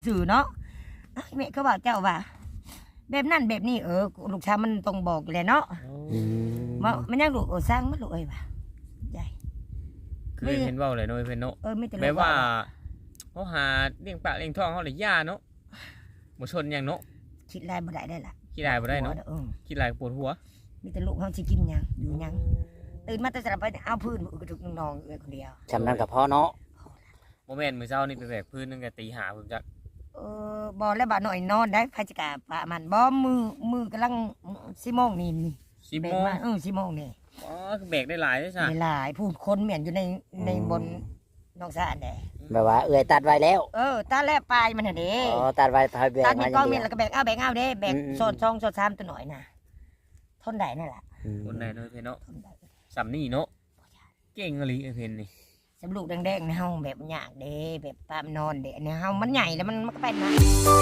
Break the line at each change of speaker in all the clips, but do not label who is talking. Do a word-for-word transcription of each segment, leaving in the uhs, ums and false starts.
สื่อเนาะแม่เขาบอกเจ้าว่าแบบนั้นแบบนี้เออลูกชายมันต้องบอกแหละเนาะว่ามันยังลูกเออสร้างมันลูกเอ้ยว่ะใหญ่
คือเห็นเว้าเลยเนาะเพิ่นเนาะ
เออไม่แต่
แปลว่าเขาหาเลี้ยงปากเลี้ยงท้องเขาเลยย่าเนาะบ่ชนหยังเนาะ
คิดลายบ่ได้ได้ล่ะ
ขี้ลายบ่ได้เนาะ
เออ
ขี้ลายปวดหัว
มีแต่ลูกเขาสิกินหยังอยู่หยังตื่นมาแต่สลับไปเอาพื้นกระทุกน้องเอ้ยคนเดียว
จำนั้นกับพ่อเนาะ
บ่แม่นมื้อเช้านี่ไปแบกพื้นตั้งแต่ตีห้าผมจัก
เออบ่แล้วบ่หน่อยนอนได้พาจิกาปะมันบ่มือมือกำลังสิโมงนี่นี่
สิบ
แบ
โม
ก
ง
มาเออสิโมงนี่
อ๋อคือแบกได้หลายเด้อซ่ะ
หลายผู้คนเหมือนอยู่ในในบนนอกสะอาดแด
แบบว่าเอื้อยตัดไว้แล้ว
เออตาแลปลายมันน่ะเด้
อ๋อตัดไว้พายแบก
ตา
มา
นี่
อก
อง
ย่าง
เมี
เดี
ยน
ยว
แล้วก็แบกเอาแบกเอาเด้แบก
อืม
โซนช่องโซนสามตัวหน่อยน่ะทนได้นั่นล่ะ
อืม
คนใดเนาะเพิ่นเนาะ
ทนได้
สำนี่เนาะเก่งอีหลีไอ้เพิ่นนี่
สำลูกแดงๆในเฮาแบบยากเด้แบบปามนอนเด้อันนี้เฮามันใหญ่แล้วมันมันก็เป็นนะ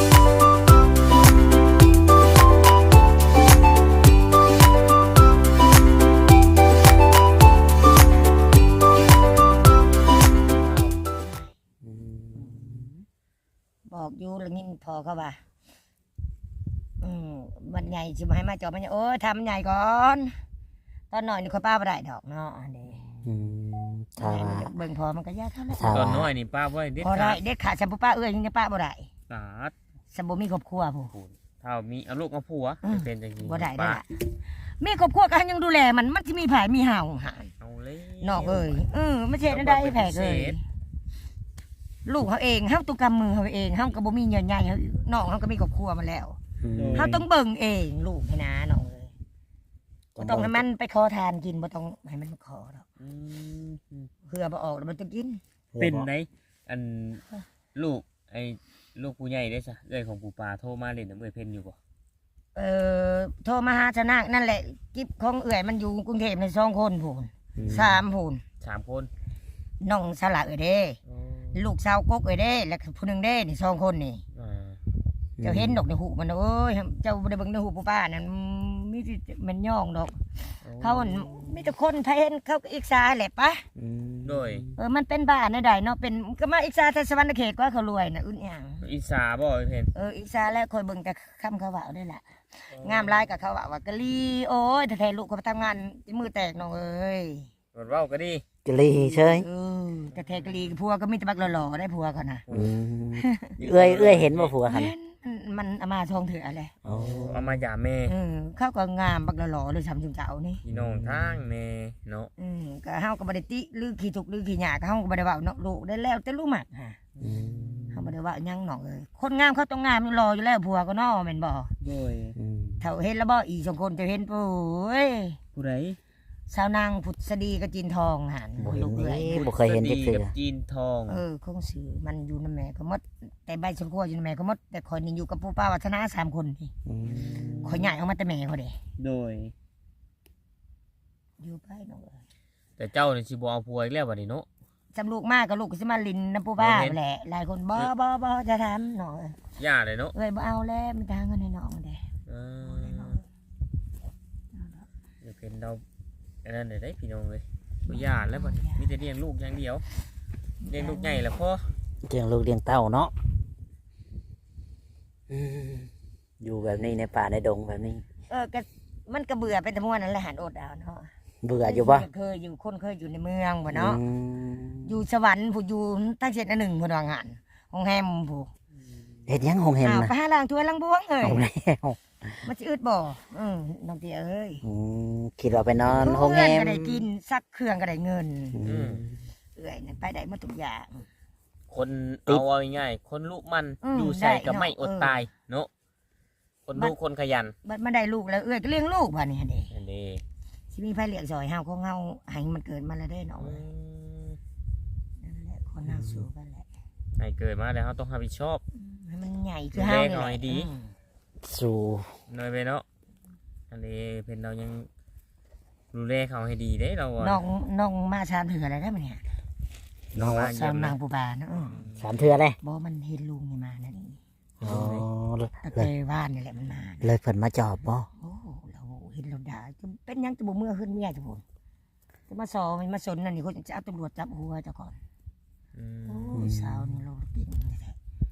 บอกอยู่แล้วนี่พอเขาว่าอืมวันใหญ่สิมาให้มาจอบมันโอ้ยทำใหญ่ก่อนตอนหน่อยนี่ค่อยป้าบ่ได้ดอกเนาะอันนี้
อืมถ้าว่า
เบิ่งพอมันก็ยากเท่านั้น
ถ้า
ตอน
ว่า
น้อยนี่ป้าบ่ได้เด็ด
พอ
ขา
ได้
ด
เด็ดขาดสมปุป้าเอ้ยยังจะป้าบ่ได้
สาด
สมบูมีครอบครัวผู้
พูนถ้ามีเอาลูกมาผัว
อืม
เป็นจังซี่
บ่ได้ได้
ป้า
ล่ะมีครอบครัวก็ยังดูแลมันมันสิมีผายมีห่าวหาย
เอาเลย
นอกเอ้ยเออไม่ใช่นั่นได้แผลเลยลูกเขาเองเฮาตุกรรมมือเขาเองเฮาก็บ่มีเงินใหญ่เฮาน้องเฮาก็มีครอบครัวมาแล้ว
อืม
เฮาต้องเบิ่งเองลูกให้นะน้องเอ้ยบ่ต้องให้มันไปขอทานกินบ่ต้องให้มันขอดอก
อืม
เพื่อบ่ออกแล้วมันจะกิน
เป็นไดอันลูกไอ้ลูกผู้ใหญ่ได้ซะเอ้ยของปู่ปาโทรมาเล่นน้ำเอ้ยเพิ่นอยู่บ่
เอ่อโทรมาหาชนะนั่นแหละกิบของเอื้อยมันอยู่กรุงเทพในสองคนพูน
อืม
สามพูน
สามคน
น้องสละเอ้ยเด้ ลูกสาวกกเอ้ยเด้แล้วก็ผู้หนึงเด้นี่สองคนนี่
อ่า
เจ้าเห็นดอกในหูมันเอ้ยเจ้าบ่ได้เบิ่งในหูปู่ป้านั่นมีแต่มันย่องดอก เขาอั่นมีแต่คนไทยเห็นเขาก็อิกษาแหละปะ
อืม
โดย
เออมันเป็นบ้านใดเนาะเป็นก็มาอิกษาทศวรรณเขตกว่าเขารวยน่ะอึดหยัง
อีสาบ่ไอ้เพิ่น
เอออิกษาแล้วคอยเบิ่งแต่คำเขาว่าได้ล่ะงามหลายกับเขาว่าว่ากะลีโอ้ยแต่แท้ลูกเขาไปทำงานมือแตกน้องเอ้ย
รถเว้าก็ดี
กะลีเชย
เออแต่แท้กะลีผัวก็มีแต่บักหล่อๆได้ผัวเขาน่ะ
อืมเอื้อยเอื้อยเห็นบ่ผัวหัน
แม่นมันมันเอามาทองเถื่ออะไร
โอ้
เอามาหย่าแม่
เออเขาก็งามบักหล่อๆเลยซ้ำจุงเจ้านี่
พี่น้องทางแน่เนาะ
อืมก็เฮาก็บ่ได้ติหรือขี้ทุกข์หรือขี้ยากก็เฮาก็บ่ได้เว้าเนาะลูกได้แล้วแต่ลูกมักฮะ
อืม
เฮาบ่ได้เว้าหยังเนาะเอ้ยคนงามเขาต้องงามรออยู่แล้วผัวก็เนาะแม่นบ่
โดย
อืม
เฒ่าเห็นแล้วบ่อีสองคนจะเห็นปุ้ย
ผู้ใด
สาวนางพุทธดีกับจีนทองหัน
บ่เห็
ลู
น
กเอ้ย
นี่บ่เคยเห็นจัก
สวัส
เทื่
ดี
อ
กับจีนทอง
เออคงสื่อมันอยู่นำแม่ก็หมดแต่ใบชมพูอยู่นำแม่ก็หมดแต่คนนี่อยู่กับปู่ป้าวัฒนาสามคนนี่
อืม
ขอยใหญ่ออกมาแต่แม่เขาเด้
โดย
อยู่ไปน้องเอ้ย
แต่เจ้านี่สิบ่เอาผัวอีกแล้วบัดนี้เนาะ
จำลูกมากก็ลูกก็สิมาลินน้ำปู่ป้า
บ่เห็น
แหละหลายคนบ่บ่บ่จะทำน้องเอ้ย
ย่าเลยเนาะ
เอ้ยบ่เอาแล้วมันทางเงินให้น้องเด้
เออเดี๋ยวเป็นเราอันนั้นได้พี่น้องเลยบ่ย่าแล้วบัดนี้มีแต่เลี้ยงลูกอย่างเดียวเลี้ยงลูกใหญ่แล้วพอ
เลี้ยงลูกเลี้ยงเต้าเนาะอืมอยู่แบบนี้ในป่าในดงแบบนี้
เออก็มันก็เบื่อเป็นตะม่วนนั่นแหละหันอดเอาเนาะ
เบื่ออยู่บ่
เคยอยู่คนเคยอยู่ในเมืองบ่เนาะ
อืม
อยู่สวรรค์ผู้อยู่ตั้งเจ็ดอันหนึ่งผู้ดองหันห้องแฮมผู้
เฮ็ดหยังหงเห็น
อ้าว
นะ
ไปหาล้างถ้วยล้างบ้วงเอ้ย
เอาแล้ว
มันสิอึดบ่อืมน้องเตี้ยเอ้ย
อืมคิดว่าไปนอนโรงแร
เพื่อน
ม
ก็ได้กินซักเครื่องก็ได้เงิน
อืม
เอ้ยนั่นไปได้หมดทุกอย่าง
คน
ติด
เอาเอาง่ายๆคนลูกมัน
อืม
อยู่ใส่ก็
ได้เนาะ
ไม่อด
เออ
ตายเนาะคนลูกคนขยัน
บัดมาได้ลูกแล้วเอ้ยก็เลี้ยงลูกบ่นี่หั่นเด้
อันนี้
สิมีไผเลี้ยงซอยเฮาของเฮาให้มันเกิดมาแล้วเด้น้อง
อื
เอ้ย
ม
นั่นแหละคนเฮาสู้กันแหละ
ให้เกิดมาแล้วเขาต้องรับผิดชอบ
อืมให้มันใหญ่คือเฮานี่
ดูแลหน่
แห
อย
ละ
ดี
อืม
สู่
หน่อยไปเนาะอันนี้เป็นเรายังดูแลเขาให้ดีได้เราอะ
น้องน้องมาชามเถื่ออะไรได้มั้ยเนี่ย
น้องมา
สา
เยี่ยว ม
นา
นะ
งปูบาเนาะอืม
สามเทื่อเลย
บ่มันเห็นลุงนี่มานั่นนี่
อ๋อ
ตะ
เล
เก
ย
ยว่านนี่แหละมันมา
เลยเพิ่นมาจอบบ่
โอ้เราเห็นเราด่าจะเป็นหยังจะบ่เมื่อขึ้นเมียจะบ่จะมาสอมันมาสนนั่นนี่เขาจะเอาตำรวจจับหัวเจ้าก่อน
อืม
โอ้ยสาวนี่เราเก่งแท้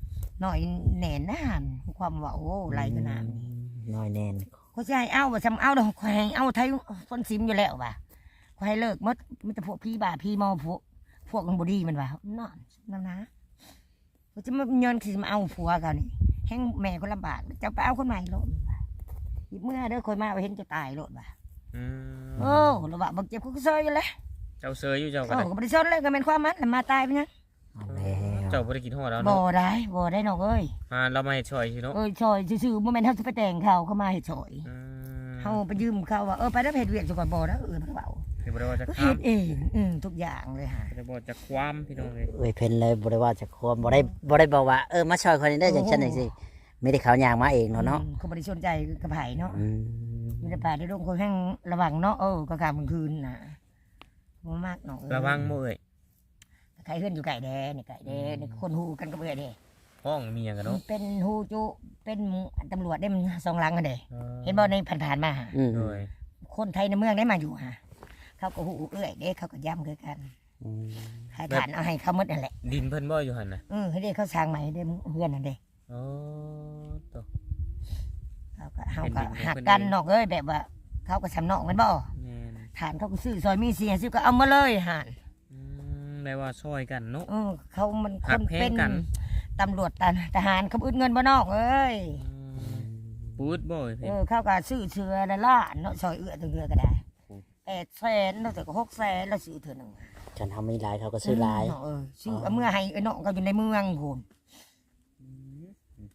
หน่อยแหน่นานความว่าโอ้ไรขนาดนี้
น้อยแน่น
เขาจะให้เอาว่าจำเอาดอกควายเอาไทยคนซิมอยู่แล้วว่ะควายเลิกมดมันจะพวกพี่บ่าพี่มอพวกพวกมันบดีมันว่านอนนั่นนะเขาจะมาเงินคือมาเอาผัวกันนี่แห้งแม่คนลำบากจะไปเอาคนใหม่โลดเมื่อเด้อคอยมาเห็นจะตายโลดว่ะ
อืม
โอ้ระบาดบักเจ็บคุกเซยอยู่เลย
เจ้าเซยอยู่เจ้าก็
โอ้
ได้
ก็บริสุทธิ์เลยก็เป็นความมันมาตายไปนะ
เอาแล้ว
เจ้าบ่ได้กินฮอดแล้ว
บ่
เนาะ
ได้บ่ได้น้องเอ้ย
อ่าเรามาให้ช่วยสิเนาะ
เอ้ยชอยซื่อๆบ่แม่นเฮาสิไปแต่งเขาเขามาเฮ็ดชอย
อืม
เฮาไปยืมเขาว่าเออไปแล้วเฮ็ดเวียกจังก่อนบ่นะเออมันก็เว้า
เดี๋ยวบ่ได้ว่าจะ
ก็
ข้า
เฮ็
ม
ดเองอืมทุกอย่างเลยฮะ
บ่ได้บ่จะความพี่น้องเลย
เอ้ยเพิ่นเลยบ่ได้ว่าจะควมบ่ได้บ่ได้บอกว่าเออมาช่วยคนนี้ได้อจังซั่นจังซี่ไม่ได้เขาย่างมาเองเนาะเนาะ
อืมเขาบ่ได้สนใจกับไผเนาะ
อืม
มีแต่ป่าได้ลงคนแห่งระวังเนาะเออก็กลางกลางคืนน่ะบ่มากน้องเอ้ย
ระวังบ่เอ้ย
ใครเฮือนอยู่ไก่แดนี่ไก่แดนี่คนฮู้กันก็เบื่อเด้
ห้องมีหยังกันเนาะ
เป็นฮู้จุเป็นตำรวจได้มันสองหลังกันเด้เห็นบ่ในผ่านๆมาหา
อืม
โดย
คนไทยในเมืองได้มาอยู่ฮะเขาก็ฮู้เอื้อยเด้เขาก็ย้ำคือกัน
อืม
ขายฐานเอาให้เขาหมดนั่นแหละ
ดินเพิ่นบ่อยู่หั่นน่ะ
เออให้ได้เขาสร้างใหม่ได้เฮือนนั่นเด้
อ๋อตัว
เขาก็เฮา
เป็น
ก็
ดินของ
หัก
เพิ่น
กัน
เอง
นอกเอ้ยแบบว่า เขาก็สำนอกแมันบ่
แม่น
ฐานเขาก็ซื้อซอยมีเสียซื้อก็เอามาเลยห่าน
อืมได้ว่าช่วยกันเนาะ
เออเขามันค
หัก
น
แพง
เป็น
กัน
ตำรวจทหารเขาอึดเงินบ่นอกเอ้ย
อืมปูดบ่เอ้ย
เอ
เพิ่น
อเขาก็ซื้อเชือละล้านเนาะซอยเอื้อถึงเอื้อก็ได้
โอ้
แปดแสนเนาะแต่ก็หกแสนแล้วซื้อเถื่อหนึง
คันเฮามีหลายเขาก็ซื้อหลาย
เออซื้อเอาเมื่อให้ไอ้น้องก็อยู่ในเมืองพูน
อืม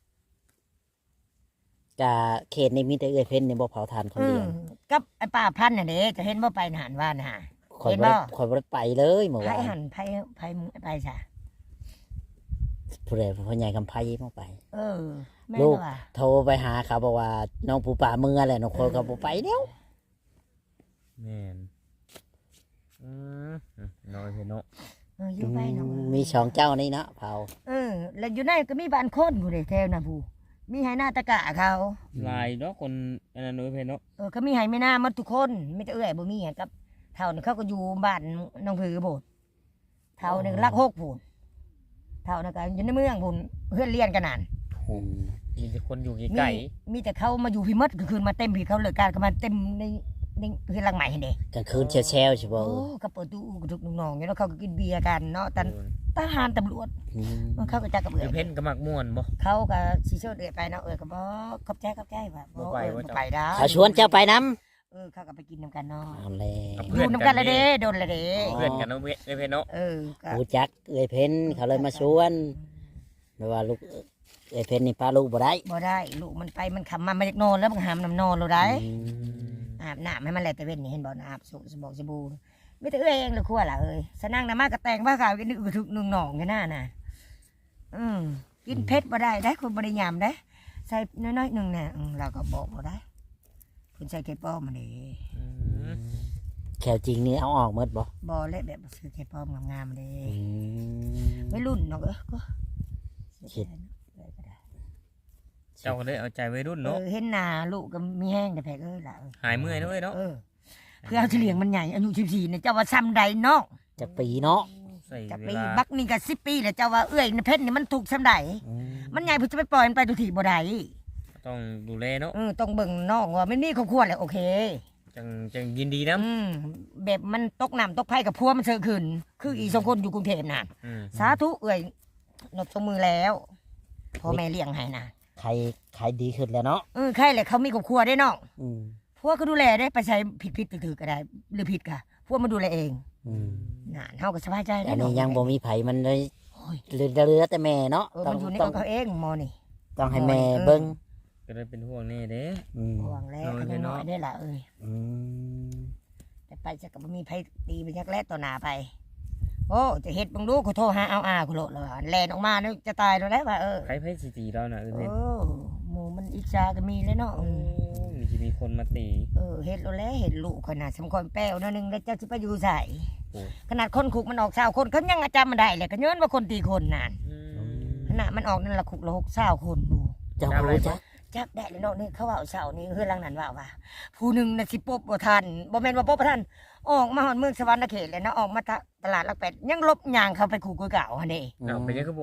กะเขตนี้มีแต่เอ้ยเพิ่นนี่บ่เผาทานคน
อื
เดี
ม
ยว
กับไอ้ป้าพันธุ์น่ะเด้จะเห็นบ่ไปหานว่าน่ะ
ข่อย
เห็น
บ่
บ่
ได้ข่อยบ่ได้ไปเลยเมื่อ
ไผ
วาน
หันไผไผมึงไปซะ
ผู้ใดพ่อใหญ่กำไพมาไป
เออแม่
ลู
น
ก
ว่า
โทรไปหาเขาบอกว่าน้องปูป่าเมือแหละน้องคนก็บ่ไปเดียว
แม่นอืมน้อยเพิ่นเนาะ
เอออยู่ไปเนาะ
มีสองเจ้านี่เนาะเผา
เออ แล้วอยู่ในก็มีบ้านคนผู้ใดแถวน่ะผู้มีให้หน้าตะกะเขา
หลายเนาะคนอันนั้นน้อยเพิ่นเนาะ
เออก็มีให้ไม่น่าหมดทุกคนมีแต่เอื้อยบ่มีหยังกับเท่านี่เขาก็อยู่บ้านน้องผือโพดเท่านี่รักหกพูนเท่านี่ก็อยู่ในเมืองพูนเพื่อนเรียนกันนั่น
อืม
มีแต่คนอยู่
มี
ไกล
มีแต่เขามาอยู่พี่มดก็คือมาเต็มพี่เขาเลยการก็มาเต็มในในเพื่อนหลังใหม่เห็นเด้
กลางคืนแชวๆใช่บ่
โอ้ก็เปิดตู้กระทุกน้องๆอยู่แล้วเขาก็กินเบียร์กันเนาะตันทหารตำรวจ
อืม
เขาก็จักกับเอื้
เดี๋
อย
วยเพิ่นก็มักม่วนบ่
เขาก็สิเชิญเอื้อยไปเนาะเอื้อยก็บ่ขอบใจขอบใจว่า
บ่ไป
เออ
บ่
บ่
จ้ะ
ไปได้
เขาชวนเจ้าไปน้
เออเขาก็ไปกินนํกันเนาะ
ำเอาแล้
กับ
ว
เพื่
อ
อน
ยู่นํกันละเด้โดนละเด้
เพื่อนกันเนาะเว้ยเพิ่นเนาะ
เออก็
รู้จักเอ้ยเพิ่นเขาเลยมาชวนแปลว่าลูกเอ้ยเพิ่นนี่พาลูกบ่ได้
บ่ได้ลูกมันไปมันขำมามาจากนอนแล้วมันหามน้ำนอนเราได้
อืม
อาบน้ำให้มันแลแต่เว้นนี่เห็นบ่อาบสุสบอกสบู่ไม่แต่เอ้ยเองเลยครัวล่ะเอ้ยสนั่งน้ำมากระแตงผ้าขาวกินนึกถึกนึงหนองกันหน้าน่ะอืมกินเผ็ดบ่ได้ได้คนบ่ได้ยำได้ใส่น้อยๆหนึงน่ะอืมเราก็บอกบ่ได้คุณใส่เกป้อมมาดิ
อืม
แขวจริงนี่เอาออกหมดบ่
บ่เละแบบซื้อเกป้อมงามๆมาดิ
อืม
ไม่รุ่นเนาะเอ้ยก็
คิด
เจ้าก็เลยเอาใจวัยรุ่น
เอ
เนาะ
อเห็นหน้าลูกก็มีแห้งแต่แพกเอ้ยล่ะเอ้ย
หายเมื่อยเนาะเว้ยเนาะ
เออเพื่อเอาเฉลียงมันใหญ่อายุสิบสี่เนี่ยเจ้าว่าซ้ำใดเนาะ
จักปีเนาะ
ใส่
จะ
เว
ปี
ลา
บักนี่ก็สิบปีแล้วเจ้าว่าเอ้ยในเพชรนี่มันถูกซ้ำใด
อืม
มันใหญ่เพื่อจะไปปล่อยมันไปดูถีบ่ได้
ต้องดูแลเนาะ
เออต้องเบิ่งน้องว่าไม่มีครอบครัวแล้วโอเค
จังจังยินดีนะ
อืมแบบมันตกน้ำตกไผ่กับพัวมันเสือขึ้น คืออีสองคนอยู่กรุงเทพน่ะ
อืม
สาธุเอ้ยนบสมือแล้วพ่อแม่เลี้ยงให้นะ
ใครใครดีขึ้นแล้วเนาะ
เออใครแหละเขามีครอบครัวได้น้อง
อืม
พวกก็ดูแลได้ไปใช้ผิดผิดถือๆก็ได้ หรือผิดค่ะพวกมาดูแลเอง
อืม
น่ะเฮาก็สบายใจได้
อัน
น้
นี้ยังบ่มีไผมันเลย
โอ้ย
เหลือเหลือแต่แม่เนาะ
เออ
ต้อ
มั
ง
นอยู่ใน
ต้
ข
อ
อง งเขาเองหมอนี่
ต้องให้แม่
เออ
เบิ่ง
ก็เลยเป็นห่วงแน่เด้
อืม
ห่วงแล้ว
น้อย
ก็
ไป
น้
เนาะ
อยได้ละเอ้ย
อืม
แต่ไปจะกับมีไผตีไปยักแลต่อหน้าไป โอ้จะเฮ็ดบังดูกูโทรหาเอาอากูโลดเลยแลนออกมาเนี่ยจะตายแล้วแหละว่าเออ
ไผไผสิตีเราน่ะเออ
เอ
เพิ่น
อหมูมันอิจฉาก็มีเลยเนาะ
โอ้มีสิมีคนมาตี
เออเฮ็ดแล้วแหละเฮ็ดลูกขนาดสำคัญแป้วนั่นนึงแล้วเจ้าสิไปอยู่ใส่
โอ้
ขนาดคนคุกมันออกเศร้าคนเขายังจำมันได้เลยก็ย้อนว่าคนตีคนนั่น
อืม
ขนาดมันออกนั่นละคุกละหกเศร้าคนดู
เจ้าบ่รู้จัก
จับได้เลยเนาะนี่เขาว่าเศร้านี่เฮือนหลังนั้นว่าว่าผู้หนึ่งน่ะสิปบบ่ทันบ่แม่นว่าปบบ่ทันออกมาฮอดเมืองสวรรค์เขตเลยนะออกมาตลาดหลักแปดยังลบยางเข้าไปคุกเก่าหั่นเด้
เอาไปยังก็บอก
บ่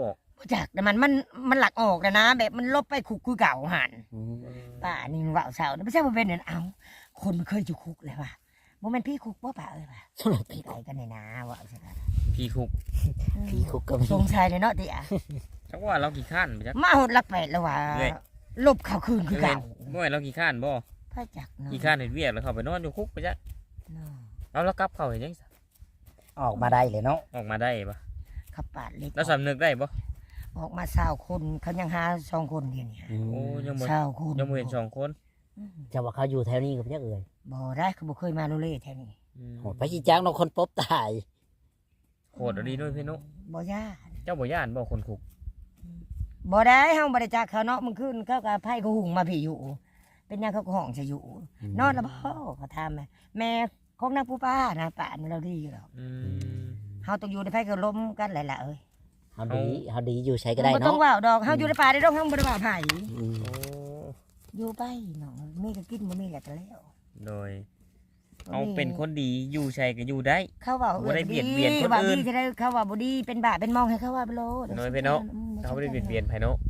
จากแต่มันมันมันหลักออกแล้วนะ แบบมันลบไปคุกคือเก่าหัน
อืม
ป่านี่ว่าวเสาไม่ใช่ว่าเป็นเนี่ยเอาคนมันเคยอยู่คุกเลยว่ะโมเมนต์พี่คุกว่าป่าเอ้ยป่ะ
สำหรับ
ไปไปกันในนาว่าวใช่ไหม
พี่คุก
พี่คุกก็มี
สงสัยเลยเนาะเตี่ย
จักว่าเรากี่ขั้านไปจัก
มาหดลักแปดแล้วว่ะ
เอ้ย
ลบเขาคืนคือเก่า
เมื่อเรากี่ขั้านบ่
พระจักเนาะ
กี่ขั้านเห็นเวียกแล้วเขาไปนอนอยู่คุกไปจัก
เนาะ
เอาแล้วกลับเขาเห็นยัง
ออกมาได้เลยเนาะ
ออกมาได้ปะ
เขาปาดเล็ก
แล้วสำนึกได้ปะ
ออกมาสาวคนเขายังหาสองคนเดียวนี่
อืม
โอ้ยังบ่
สาวคน
ยังบ่เห็นสองคน
อืม
จะว่าเขาอยู่แถวนี้กับยักเอ่ย
บ่ได้เขาบ่เคยมาโรเล่แถวนี้
อืม
โหไปชี้จ้างเนาะคนพบตาย
โหดเอะไรด้วยพี่นุ
บ่ย่าน
เจ้าบ่ย่านบ่คนคุก
บ่ได้เฮาบ่ได้จักเขาเนาะมึงขึ้นเขาก็ไผเขาหุงมาพี่อยู่ เป็นหยังเขาก็ห้องจะอยู่ นอนแล้วบ่เขาถามแม่แม่ของนางผู้ป้านะป่านเราดีอยู่แล้ว
อืม
เฮาต้องอยู่ในไผก็ล้มกันหลายๆเอ้ย
เฮาดีเฮาดีอยู่ใช้ก็ได้
บ่ต้อ
เนาะ
งว่าวดอกเฮาอยู่ในป่าได้ดอกเฮาบ่ได้ว่าไผ
อืม
โอ้
อยู่ไปเนาะมีก็กินบ่มีก็แล้ว
โดยเอาเป็นคนดีอยู่ใช่ก็อยู่ได้
เขาว่า
บ่ได้เบียดเบียนคน
ว่า
อื่
ดี
น
จะได้เขาว่าบ่ดีเป็นบาปเป็นมองให้เขาว่าไปโลด
น้อยไปเนาะ เขาไม่ได้เบียดเบียนไผเนาะ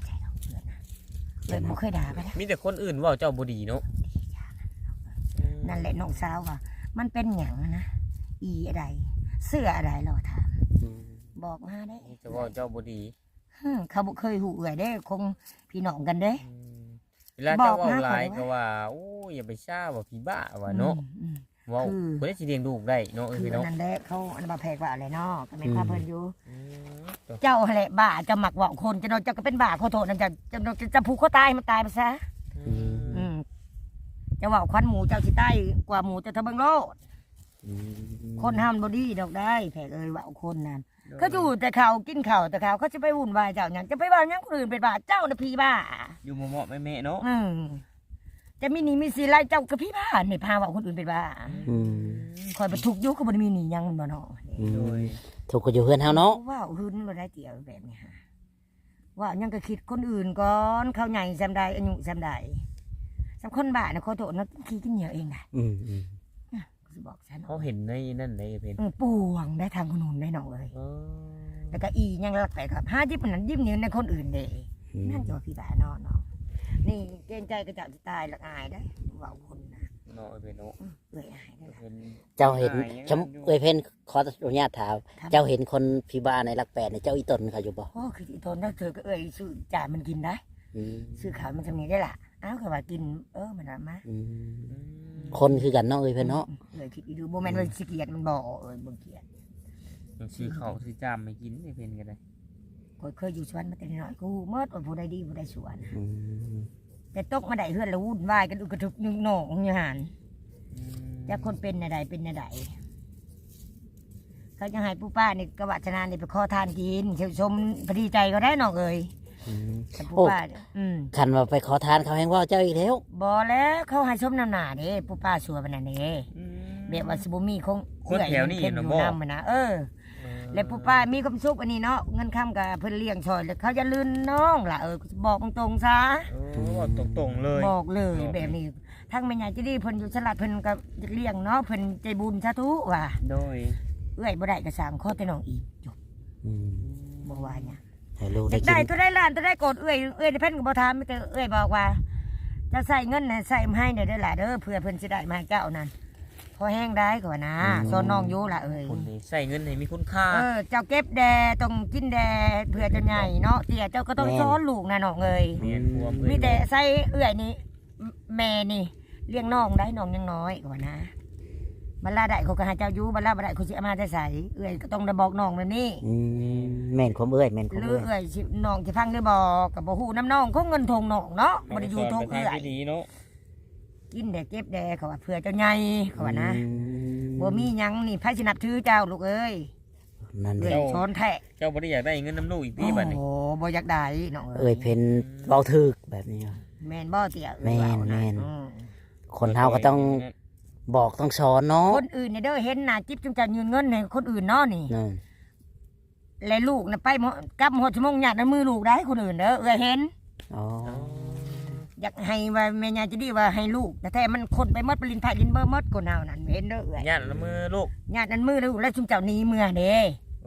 เลยบ่เคยด่าไปนะ
มีแต่คนอื่นเว่าเจ้าบ่ดีเนาะ
นั่นแหละน้องสาวว่า มันเป็นหยังนะอีอะไร เสื้ออะไรเราถาม
อืม
บอกมาได้
มีแต่เว่าเจ้าบ่ดี
ฮึเขาบ่เคยหูเอื่อยได้คงพี่น้องกันเด้
อืมเวลาเจ้า
บอก
เว่า
นะ
หลาย
ขอ
ก็
ว่า
ว่าโอ้ยอย่าไปซ่าว่าพี่บ้าว่าเนาะ
อืม
เว้า
คือ
บ่ได้สิเลี้ยงลูกได้เนาะ
อื
เอ้
ม
ย
คือ
พี่
อัน
เนาะ
นั้นแหละเขาอันนั้นบ่าแพกว่าอะไรเนาะก็แม่นพาเพิ่นอยู่
อืมตัว
เจ้าแหละบ้าจะหมักเว่าคนจะโดนจะก็เป็นบ้าขอโทษนั่นจะจะจะจะผูกคอตายมันตายไปซะ
อืม
อืมจะเว่าควันหมูเจ้าสิใต้กว่าหมูจะทะเบิงโลด
อืม
คนห้ามบอดี้ดอกได้แผกเอ้ยเว่าคนนั้นเขาอยู่แต่เขากินข้าวแต่เขาเขาจะไปวุ่นวายเจ้าอย่างจะไปว่าหยังคนอื่นเป็นบ้าเจ้าน่ะพี่บ้า
อยู่เหมาะๆแม่ๆเนาะ
อืมจะมีหนีมีสีไรเจ้ากับพี่บ้าเนี่ยพาว่าคนอื่นเป็นบ้า
อืม
คอยไปทุกข์อยุคก็บ่ได้มีหนีหยังบ่เนาะ
อื
โดย
มถูกก็อยู่เพื่อนเฮาเนาะ
ว่าหืนบ่ได้เตี่ยวแบบนี้ฮะว่ายังก็คิดคนอื่นก่อนเขาใหญ่ซำใดอายุซำใดสำคนบ้าน่ะขอโทษนะขี้กินเหนียวเองน่ะ
อืมอืม
สิบอกฉัน
เขาเห็นในนั่นในเพน
เออปวงได้ทางคนอื่นได้น้องเอ้ย
เออ
แล้วก็อียังรักไปครับห้ายิบนั้นยิบนิ้วในคนอื่นเด้
อืม
นั่นจะว่าพี่บ้าเนาะเนาะนี่เกรงใจก็จะตายละอายได้เว้าคนนะ
เนาะเอ้ยเพนเนาะ
อืมเอ้ยอายได้ล่ะ
เพิ่น
เจ้าเห็น
อายอย่างนั้น
ชมเอ้ยเพิ่นขออนุญาตถาม
ครับ
เจ้าเห็นคนพิบาลในหลักแปดในเจ้าอีตนเขาอยู่บ่
โอ้คือที่ทนถ้าเธอก็เอ้ยซื้อจ่ายมันกินได้
อืม
ซื้อขาวมันทำนี้ได้ล่ะอ้าวก็ว่ากินเออมันว่ามา
อืม
อืม
คนคือกันเนาะเอ้ยเพิ่นเนาะ
เอ้ยคิดดูโมเมนต์ว่าสิเกียดมันบ่เอ้ยบ่เกียด
ยังซื้อข้าวซื้อจามไม่กินไอ้เพนกันเลย
ก็เคยอยู่สวนมาแต่น้อยกูเมื่อว่าผู้ใดดีผู้ใดสวน
อืม
แต่ตกมาได้เฮือนแล้ววุ่นวายกันอุกกระทึกนึงหนองอยู่หัน
อืม
จะคนเป็นใดเป็นใดเขาจะให้ผู้ป้านี่กวัชนานี่ไปขอทานกินเชมชมพอดีใจก็ได้น้องเอ้ย
อืม
แต่ผู้
โอ้
ป้าเนี่ยอืม
คันว่าไปขอทานเขาแฮงว่าเจ้าอีกแล้ว
บ่แล้วเขาให้ชมน้ำหนาเด้ผู้ป้าชัวร์ปานนั้นเด้
อืม
แบบว่าสิบ่มีคง
คนแถวนี้
เพิ่น
น่ะ
อยู่
บ่
นำมันนะเออ แล้วผู้ป้ามีความสุขอันนี้เนาะเงินค้ำกับเพิ่นเลี้ยงชอยแล้วเขาจะลื่นน้องล่ะเออบอกตรงๆซะ
โอ้ตรงตรงๆเลย
บอกเลย
เนาะ
แบบนี้ทั้งแม่ใหญ่จะดีเพิ่นอยู่สลัดเพิ่นก็เลี้ยงเนาะเพิ่นใจบุญสาธุว่ะ
โดย
เอ้อยบ่ได้ก็สร้างข้อแต่น้องอีกจบ
อืม
บ่ว่าหยัง
ให้ลูก
ได้
ได้กิ
ได้
น
ตัวได้ล้านตัวได้โกดเอ้อยเอ้อยเพิ่นก็บ่ถามมีแต่เอ้อยบอกว่า จะใส่เงินน่ะใส่มาให้เด้อเด้อล่ะเด้อเพื่อเพิ่นสิได้มาให้เจ้านั่นพอแห้งได้ก็ว่านะสอนน้องอยู่ล่ะเอ้ย
คนนี้ใส่เงินให้มีคุณค่า
เออเจ้าเก็บแดต้องกินแดเพื่อจะใหญ่เนาะเตี่ยเจ้าก็ต้องสอนลูกนะน้องเอ้ย
เมียนความเอ้ย
มีแต่ใส่เอื้อยนี่แม่นี่เลี้ยงน้องได้น้องยังน้อยกว่านะบรรลาได้เขาก็หาเจ้าอยู่บรรลาบ่ได้เขาสิเอามาจะใส่เอื้อยก็ต้องได้บอกน้องแบบนี้
อืมแม่นความเอ้ยแม่นความ
หรือ
เอ้ย
เอื้อยสิน้องสิฟังได้บอกกับบ่ฮู้น้ำน้องเขาเงินทงน้องเนาะบ่ได้อยู่ทง
ไป
เอื้
ทา
อง ย
ที่ดีเนาะ
กินแดเก็บแดเขาว่าเพื่อเจ้าใหญ่เขาว่านะ
อืม
บ่มีหยังนี่ไผสินับถือเจ้าลูกเอ้ย
นั่น
เอื้
แห
อย
ละ
ช้อนแท้
เจ้าบ่ได้อยากได้เงินน้ำลูกอีกพี่บัดนี้
โอ้บ่อยากได้น้อง
เอ้
เอ้
ย
ย
เพิ่นเว้าถึกแบบนี้
แม่นบ่เตี่ยเอ้ย
แม่น
ว่าะ
แม่น
อืม
คนเฮาก็ต้องบอกต้องสอนเนาะ
คนอื่นเนี่ยเด้อเห็นหน้าจิ๊บจุงจะยืนเงินให้คนอื่นเนาะนี่
นั่น
และลูกน่ะไปหมดกลับหมดชั่วโมงหยาดในมือลูกได้คนอื่นเด้อเอ้ยเห็น
อ๋อ
อยากให้ว่าแม่ยายจะดีว่าให้ลูกแต่แท้มันคนไปหมดปรินไผ่ลินเบอร์หมดคนเฮานั่นเห็นเด้อเอ้ย
ญาติละมือลูก
หยาดนั้นมือลูกแล้วจุงเจ้าหนี้เมื่อเด้
โอ้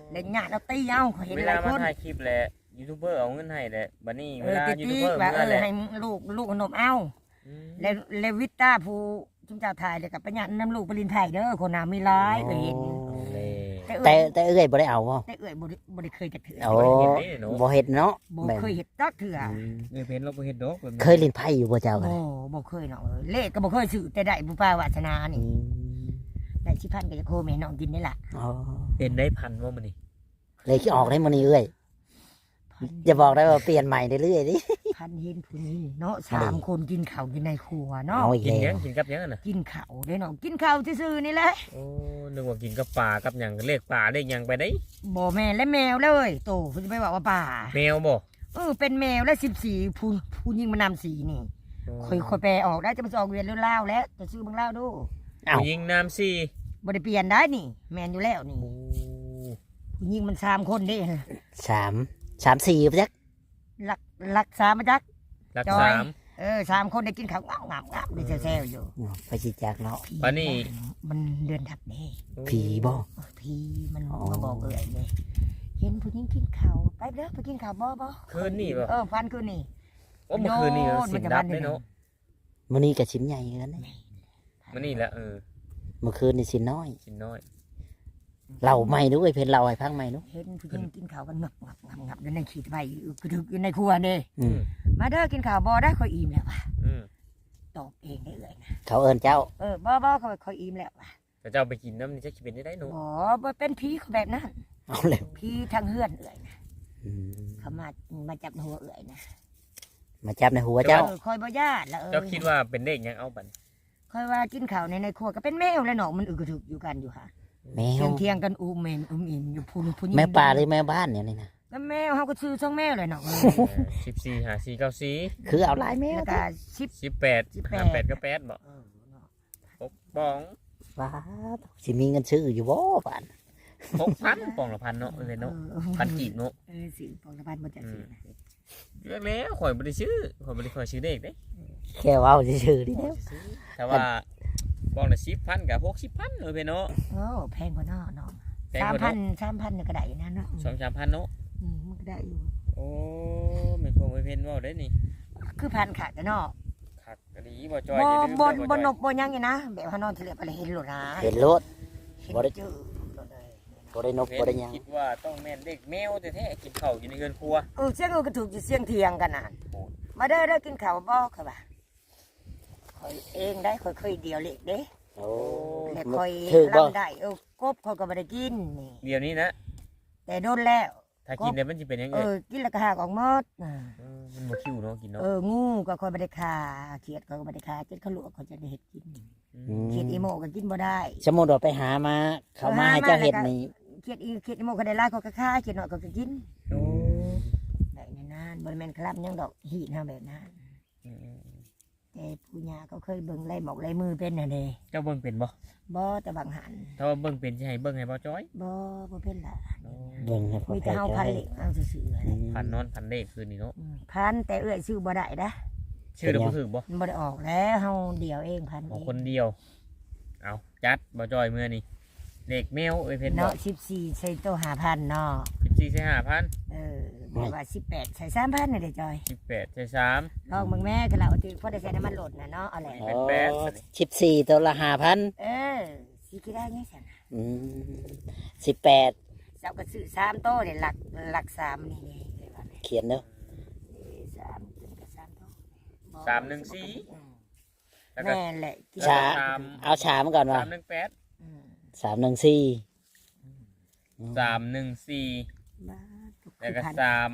เล่นญาติเราตีเอาเขาเห็น
เว
ห
ลา
ลาย
มา
คน
ถ่ายคลิปแหละยูทูบเบอร์เอาเงินให้แหละบัดนี้
เอ
เว
อ
ลา
ติ
ยูทูบ
ตี
เบอร์
ว่า
เมื่
เอ
อแห
อ
ละ
ให้ลูกลูกขนมเอา
อืม
เลเลวิต้าผู้จุมเจ้าถ่ายเลยกับปัญญาน้ำลูกปรินไทยเด้อคนน้ามีร้ายก็เห็น
เลย
แต่
แต่
เอ้ย
แต่เอ้ยบ่ได้เอาบ่
แต่เอ้ยบ่ได้บ่ได้เคยจะถือ
โอ้บ่เฮ็ดเนาะ
บ่
แบบ
เคยเห็ดจักเถื่อ
อืม
เออเพนเราบ่เฮ็ดดอกแบบนี้
เคยเล่นไพ่อยู่บ่เจ้ากัน
โอ้บ่เคยเนาะเอ้ยเลขก็บ่เคยซื้อแต่ได้บุปผาวาสนา
อื
นี่
ม
ได้สิพันก็จะโคแม่น้องกินนี่ล่ะ
อ๋อ
เป็นได้พันว่ามันนี่
เลยคิดออกได้มื้อนี้เอ้ยอย่าบอกได้ว่าเปลี่ยนใหม่เรื่อยๆดิ
พันเห็นผู้นี้เนาะสามคนกินข้าวกินในครัวเนาะ
เอาอีก
กิน
แล้
ยั
ว
งกินกับยังอะน่ะ
กินข้าวเด้อเนาะกินข้าวซื่อๆนี่แหละ
โอ้นึกว่ากินกับปลากับหยังเลขปลาเลขหยังไปได้
บ่แม่นและแมวเลยโตคุณจะไปบอกว่าป่า
แมวบ่
เออเป็นแมวและสิบสี่ผู้ผู้ยิงมานำสีนี่ค่อยค่อยแปลออกได้จะมาออกเวียนเรื่องเล่าวแล้วจะซื้อเบางเล่าวดู
เอ้า
ผู้หญิงน้ำซี่
บ่ได้เปลี่ยนได้นี่ แมนอยู่แล้วนี่
โอ้
ผู้ยิงมันสามคนเด้
สามสามสี่จัก
ลักลักสามมาจัก
รัก
จอย
สาม
เออสามคนได้กินข้าวงาบงาบงาบได้แซวๆอยู่
อ๋อไปสิจักเนาะ
ผี
ปานนี้
มันเดือนดับเด้
ผีบ่
เออผีมัน
อ๋อ
มาบอกเอ่ยเลยเห็นผู้หญิงกินข้าวไปเด้อไปกินข้าวบ่บ่
คืนนี่บ่
เออฟันคืนนี่
โอ้เมื่อคืนนี่
โยน
สิ
มัน
น
จะ
ดับ
บ้าน
ได้
เดียว
เนาะ
มื้อนี้ก็ชิ้นใหญ่กันนะ
มันนี่แหละเออ
เมื่อคืนนี่ชิ้นน้อย
ชิ้นน้อย
เล่าใหม่ดูเอ้ยเพิ่นเล่าให้ฟังใหม่ดู
เห็นผู้หญิงกินข้าวกันงับงับงับงับอยู่ในขีดใบอยู่กระดึกอยู่ในครัวนี่
อืม
มาเด้อกินข้าวบ่ได้ค่อยอิ่มแล้วว่ะ
อืม
ตอบเองได้เลยนะ
เขาเอิ้นเจ้า
เออบ่บ่ค่อยค่อยอิ่มแล้วว่ะ
แต่เจ้าไปกินน้ำนี่จะคิดเป็นได้ได้เนาะ
บ่บ่เป็นผีเขาแบบนั้น
เอาแล้ว
ผีทางเฮือนเอ่ยนะ
อืม
เขามามาจับหัวเอ่ยนะ
มาจับในหัวเจ้า
เออค่อยบ่ญาติละเออ
เจ้าคิดว่าเป็นเลขหยังเอาบัด
ค่อยว่ากินข้าวในในครัวก็เป็นแมวแล้วเนาะมันอึกกระถึกอยู่กันอยู่ค่ะ
แม
เที่
วย
งเที่ยงๆกันอูมเมนอูมอิ่มอยู่พูนพูน
แม่ป่าหรือแม่บ้านเนี่ยนี่นะ
ก็แมวเฮาก็ซื้อช่องแมวเลยเนาะเออ
สิบสี่หาสี่เก้าสี่
คือเอาหลายแมว
แล้วก็สิบ
สิบแปด
สิบแปด
หาแปดก็แปดบ่
เออเนาะ
หกบ้อง
ว้าสิมีเงินซื้ออยู่บ่ป่าน
หกพันปองละพันเนาะเออเนาะ
ออ
พันกีบเนาะ
เออสิปองละพันบ่จะซื้อนะ
เลือกแล้วข่อยบ่ได้ซื้อข่อยบ่ได้ข่อยซื้อเลขเด้
แค่เว้าซื่อๆนี่เด้อ
แต่ว่าบ้องละสิบพันกับหกสิบพันเออเพิ่นเนาะ
โอ้แพงกว่าเนาะเนาะ
แพง
สาม
กว่า
พั
เนาะ
นสามพันเนี่ยก็ได้อยู่นะเนาะ
สองสามพันเนาะ
อืมมันก็ได้อยู่
โอ้แม่นคงไปเพิ่นเว้าได้นี่
คือพันขาดแต่เนาะ
คักก็ดีบ่จอย
บ่
อย่าลืม
บ่
เด้อ
บ่
จอย
นกบ่หยังนี่นะแบบว่านอนทะเลไปเลยเห็นโลดนะ
เห็นรถ
เห็น
บ่ได้
เจอโลดเลย
บ่ได้นกบ่ได้หยัง
คิดว่าต้องแม่นเด็กแมวแท้ๆกินข้าวอยู่ในเรือนครัว
เออเสียงเออก็ถูกอยู่เสียงเถียงกันน่ะ
โอ้
มาเด้อเด้อกินข้าวบ่ค่ะบ่าคอยเองได้คอยเคยเดียวเล็กเด้
โอ้
แต่คอย
ถือบ่
ลำได้เออกบคอยก็บ่ได้กินนี่
เดี๋ยวนี้นะ
แต่โดนแล้ว
ถ้ากินเนี่ยมันจะเป็นยัง
เอ
ไง
อกินแล้วก็หากออกหมดอ่า
เออมันบ่คิวเนาะกินเนาะ
เอองูก็คอยบ่ได้ฆ่าเขียดก็บ่ได้ฆ่าเจ็ดเขาลวกเขาจะได้เฮ็ดกิน
อืม
เขียดอีโมก็กินบ่ได้
สมมุติว่าไปหามา เขามาให้เจ้าเฮ็ดนี่
เขียดอีเขียดอีโมก็ได้หลายเขาก็ฆ่าเขียดน้อยเขาก็กิน
โอ้
แบบนั้นนะบ่ได้แม่นครับยังดอกหีดเฮาแบบนั้น
อืม
แต่ผู้ย่าก็เคยเบิ่งไล่หมอกไล่มือเป็นน่ะเด้
เจ้าเบิ่งเป็นบ่
บ่แต่บางหัน
ถ้าว่าเบิ่งเป็นสิให้เบิ่งให้บ่จ้อย
บ่บ่เป็นล่ะ
โอ้
เบิ่งให้พ่อ
มี
แพ
แต่
ท
เฮา
ย์
พัน
ให้
เหล็กเอาซื่อๆ
อื
เลย
ม
พันนอนพันเลขคืนนี้เนาะ
พันแต่เอื้อยซื้อบ่ได้นะ
ชื่อเราบ่ถูกบ่
มันบ่ได้ออกแล้วเฮาเดียวเองพัน
ของ
เอง
คนเดียว เอาจัดบ่จ้อยมื้อนี้เลขแมวเอ้ยเพิ่นบอ
เนาะ
ก
สิบสี่ใส่โตห้าพันเนาะ
สิบสี่ใส่ห้าพัน
เออบอกว่าสิบแปดใส่สามพันนี่เด้อจอย
สิบแปดใส่สาม
ลองเบิ่งแม่ก็แล้วเอาที่พอได้ใส่น้ำมันโหลดน่ะเนาะเอาแหละ
เป็นแปด
อ๋อสิบสี่ตัวละห้าพัน
เออสิคิดได้ไงซั่นน่ะ
อืมสิบแปด
เจ้าก็ซื้อสามโตเนี่ยหลักหลักสามนี่นี่เลยว่าแม่
เขียนเด้อ
สามเป็นก็สามโตบ่
สามหนึ่งสี่
อืม
แล้วก็
แม่นแหละกิน
ชา
สาม
เอาชามาก่อนว่า
สามหนึ่งแปด
อืม
สามหนึ่งสี่
สามหนึ่งสี่
บ้าทุก
แล้วก็
พัน
สาม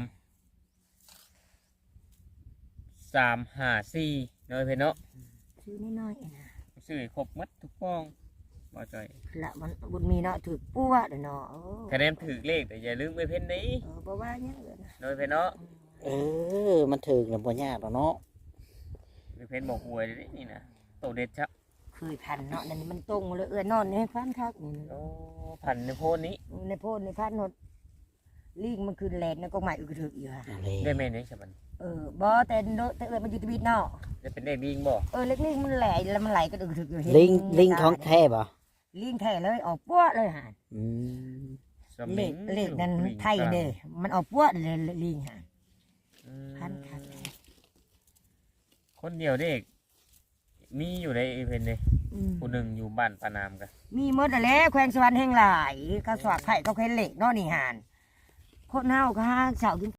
สามห้าสี่เนาะเพิ่นเนาะ
ซื้อน้อยๆเองนะ
ซื้อให้ครบหมดทุกฟองบ่จ้อย
ละมันบุญมีเนาะถือปัวเด้อเนาะโอ้
คะแนนถือเลขแต่อย่าลืมไปเพิ่นนี้
เออบ่ว่าหยังเลยนะ
เนาะเพิ่นเนาะ
เออ มันถึงแล้วบ่ยากหรอกเนาะ
เพิ่นบอกหวยเลยนี่นะโตเด็ดชัก
เคยพันเนาะนั่นมันตรงเลยเออนอนในพันคักนี่
โอ้พันในโพนนี้
ในโพดในพันนดลิงมันคือแลนในกองใหม่อึกกระถึกอยู่ค่ะ
เอาเลย
ได้แม่นยังฉบัน
เออบ่แต่โดแต่เอิ้นมันอยู่ที่บิดเนาะ
จะเป็นเลขลิงบ่
เออเล็กๆมันแหลแล้วมันไหลก็อึกกระถึกอยู่เห็น
ลิงลิงของแท้บ่
ลิงแท้เลยออกปัวเลยห่า
อืม
สมิ
เล
ง
ขเลขนั้น
ลิง
ไทยเด้มันเอาปั้วเลยลิงฮะ
อืม
พันคัก
คนเดียวเด็กมีอยู่ในเพิ่นเด้
อืม
ผู้หนึงอยู่บ้านปานามกัน
มีหมดนั่นแหละแขวงสวรรค์แห่งหลายก็สวักไผ่ก็เคล็นเหล็กเนาะนี่หานคนเฮาก็หาเสากิน